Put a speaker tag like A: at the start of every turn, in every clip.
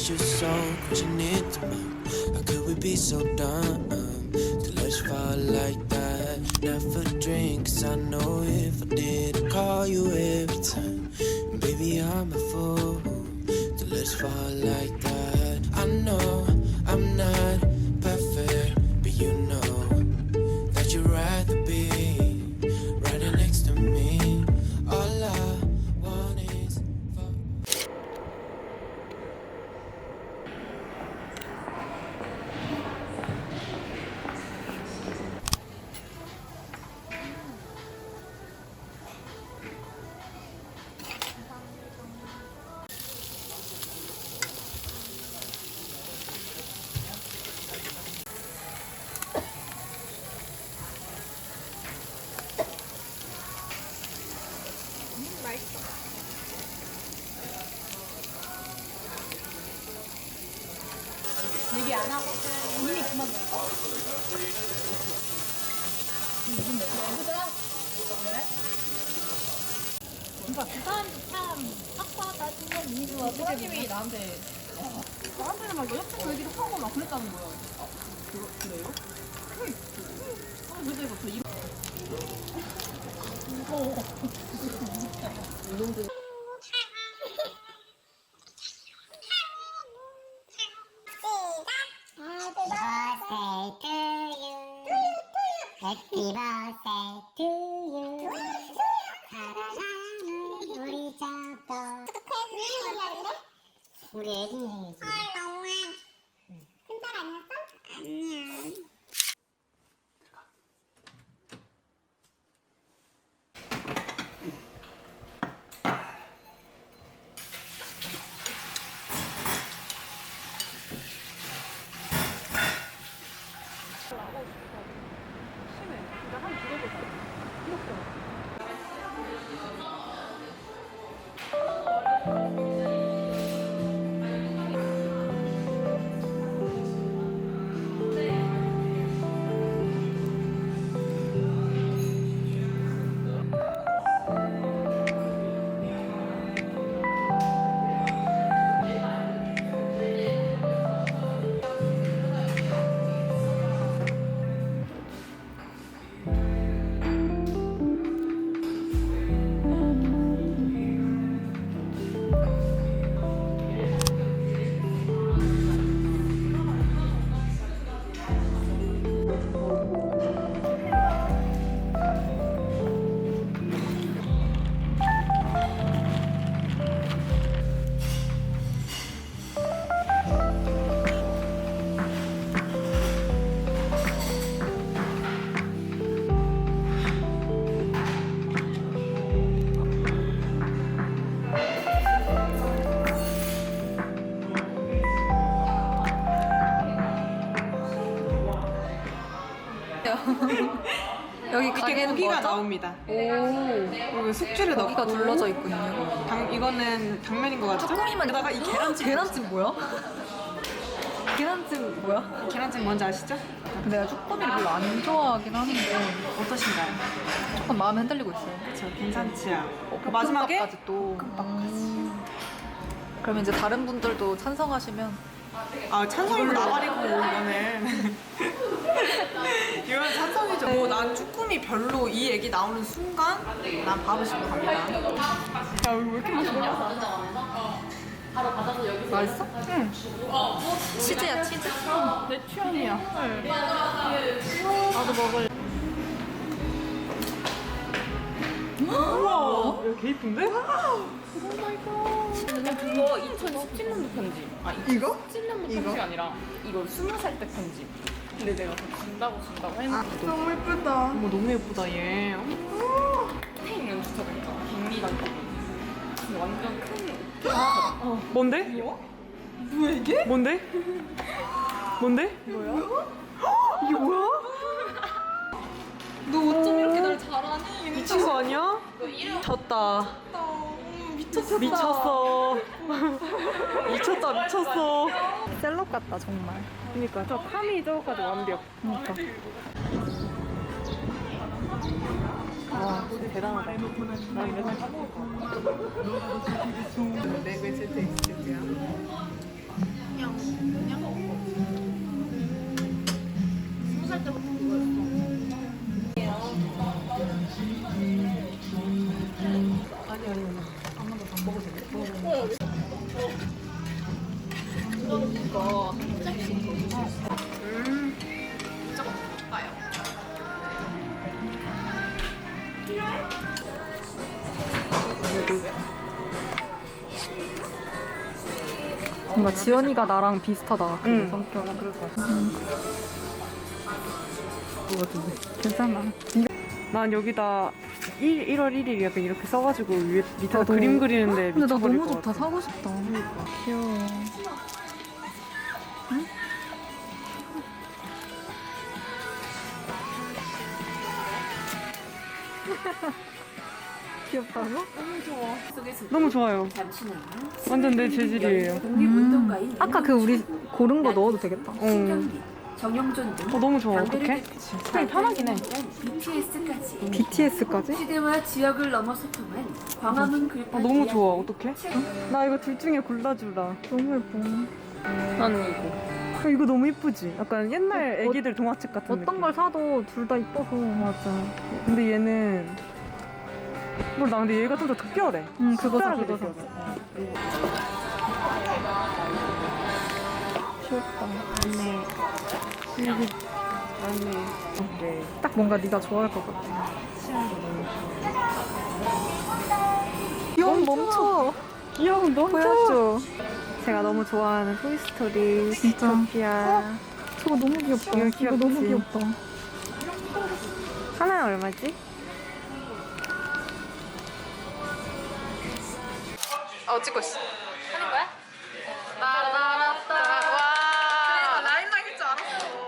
A: is your soul, but you need to move. How could we be so dumb to let you fall like that? Never drink, 'cause I know if I did, I'd call you every time. And baby, I'm a fool to let you fall like that. I know I'm not perfect, but you know that you'd rather be right next to me. All I want is for
B: 얘기 안 하고 이미 그만 먹어. 무슨 얘기야? 그래? 그러니까 그 사람도 참 학과다 신경 이미 좋아. 사장님이 나한테 나한테는 막 여자친구 얘기도 하고 막 그랬다는 거야. 아, 그래요? 그래서 이거 저 이거 무서워. 이놈들.
C: Happy birthday to you. 사랑하는 우리 작도. 우리 애기 생일이지. 너무해. 큰딸 아니었어? 아니야.
B: 여기
D: 이렇게
B: 가게는
D: 고기가
B: 뭐죠?
D: 나옵니다.
B: 오,
D: 그리고 숙주를 넣고
B: 고기가 둘러져 있군요.
D: 이거는 당면인 것 같죠?
B: 쭈꾸미만
D: 게다가 이 계란찜.
B: 계란찜 뭐야? 계란찜 뭐야?
D: 계란찜 뭔지 아시죠?
B: 내가 쭈꾸미를 별로 안 좋아하긴 하는데
D: 어떠신가요?
B: 조금 마음에 흔들리고 있어요.
D: 그쵸, 괜찮지요. 그 마지막에
B: 볶음밥까지 또. 그러면 이제 다른 분들도 찬성하시면
D: 찬성이고 나발이고 이거는 이건 찬성이죠. 난 쭈꾸미 별로 이 얘기 나오는 순간 난 밥을 씹고 갑니다. 야, 왜 이렇게 맛있냐?
B: 맛있어? 응. 치즈야, 치즈.
D: 내 취향이야.
B: 나도 먹을.
D: 우와, 개 이쁜데?
E: 그거 2017년도 편지.
D: 이거?
E: 17년도
D: 이거?
E: 편지가 아니라 이거 20살 때 편지. 근데 내가 더 준다고 했는데
D: 너무 예쁘다. 어머, 너무 예쁘다, 얘.
E: 스페인 연주자가 있잖아. 김미간 근데 완전 큰
D: 뭔데? 뭐야, 이게? 뭔데? 뭔데?
E: 뭐야?
D: 이게 뭐야?
B: 너 어쩜 이렇게 날 잘하니?
D: 미친 거 아니야? 미쳤다. 미쳤어. 미쳤어. 미쳤다, 미쳤어.
B: 셀럽 같다, 정말.
D: 그니까, 저 팜이 저거까지 완벽.
B: 그러니까.
D: 와, 진짜 대단하다. 난 맨날 까먹을 거 같아. 네, 왜 제트 익스트야?
B: 그냥 20살 때부터 그거였어.
E: 뭔가 지연이가 나랑 비슷하다. 그 성격.
D: 그럴 것 같아.
E: 괜찮아.
D: 난 여기다 1월 1일 약간 이렇게 써가지고 위에 밑에다
E: 나도-
D: 그림 그리는데
E: 근데 나
D: 미쳐버릴
E: 너무
D: 것
E: 좋다.
D: 같아.
E: 사고 싶다. 귀여워. 응? 귀엽다고?
D: 너무 좋아요. 완전 내 재질이에요.
F: 독립운동가인
E: 아까 그 우리 고른 거 넣어도 되겠다.
F: 신경기, 정영준 등
D: 너무 좋아.
F: 담배를
D: 어떡해? 스타일 편하긴 해.
F: BTS까지
E: BTS까지?
F: 시대와 지역을 넘어 소통한 광화문 글파
D: 너무 좋아. 어떡해?
F: 책
D: 나 이거 둘 중에 골라주라.
E: 너무 예뻐.
D: 나는 이거. 이거 너무 예쁘지? 약간 옛날 애기들 동화책 같은
E: 어떤
D: 느낌.
E: 걸 사도 둘 다 이뻐서.
D: 맞아. 근데 얘는 몰라. 근데 얘가 좀 더 특별해.
E: 응, 그거 사,
D: 특별하게
E: 그거 사.
D: 느껴져.
E: 귀엽다.
D: 아니. 오케이.
E: 딱 뭔가 네가 좋아할 것 같아. 귀여운 멈춰.
D: 귀여운 너무
E: 보여줘.
D: 제가 너무 좋아하는 토이스토리,
E: 진짜.
D: 디토피아.
E: 저거 너무 귀엽다.
D: 이거
E: 이거 너무
D: 귀엽지?
E: 귀엽다.
D: 하나에 얼마지? 찍고 있어. 하는 거야? 따라따라따. 와. 라인만 할줄 알았어.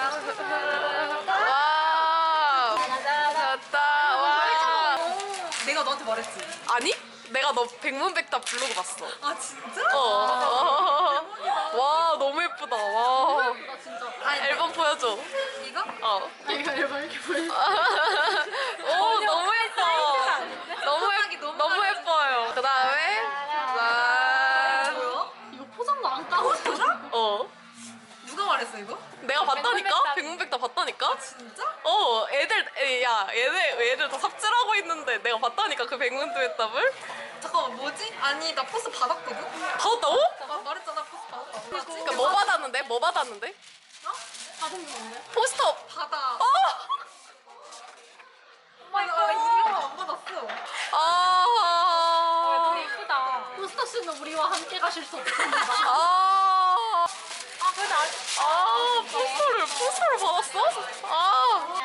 D: 와. 따라따. 와.
B: 내가 너한테 말했지.
G: 아니? 내가 너 백문백답 부르고 봤어.
B: 아 진짜?
G: 와 너무 예쁘다. 와.
B: 나 진짜.
G: 앨범 보여줘.
B: 이거?
G: 어.
B: 이거 앨범 이렇게 보여.
G: 오 너무 예뻐. 너무 예뻐요. 그다음에 짠.
B: 뭐야? 이거 포장도 안 까고 포장?
G: 어.
B: 누가 말했어 이거?
G: 내가 봤다니까? 백문백답 봤다니까?
B: 진짜?
G: 어, 얘들 다 삽질하고 있는데 내가 봤다니까 그 백문백답을?
B: 잠깐만 뭐지? 아니 나 포스 받았거든?
G: 받았다고?
B: 말했잖아 포스 받았다고.
G: 그러니까 뭐 받았는데? 뭐 받았는데?
B: 어? 받은 게 뭔데?
G: 포스터.
B: 받아.
G: 어!
B: 엄마 이거 이거 안 받았어.
G: 아.
B: 예쁘다. 포스터 씨는 우리와 함께 가실 수 없습니다.
G: 아.
B: 근데 아직
G: 아, 포스터를 받았어? 아.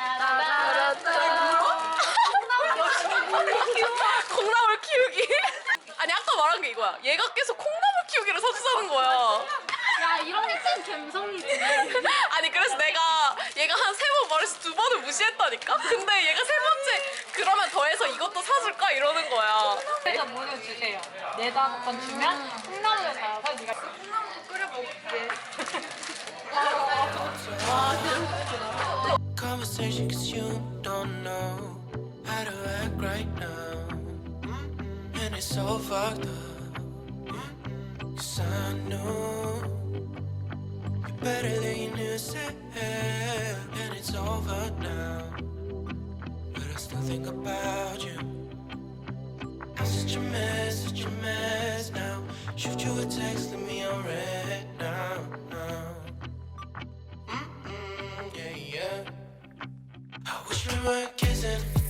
G: 콩나물 키우기? 아니 아까 말한 게 이거야. 얘가 계속 콩나물 키우기를 사주자는 거야.
B: 야 이런 게 찐 감성이지.
G: 아니 그래서 내가 얘가 한 3번 말해서 2번을 무시했다니까? 근데 얘가 3번째 그러면 더해서 이것도 사줄까? 이러는 거야.
B: 제가 물을 주세요. 내다 번 주면 콩나물을 달아서 네가 콩나물 끓여 먹을게.
A: Conversation cause you don't know how to act right now. And it's so fucked up. Cause I know you're better than you knew said. And it's over now. But I still think about you. I'm such a mess now. Shoot you a text, leave me on red now. Yeah, yeah. I wish we weren't kissing.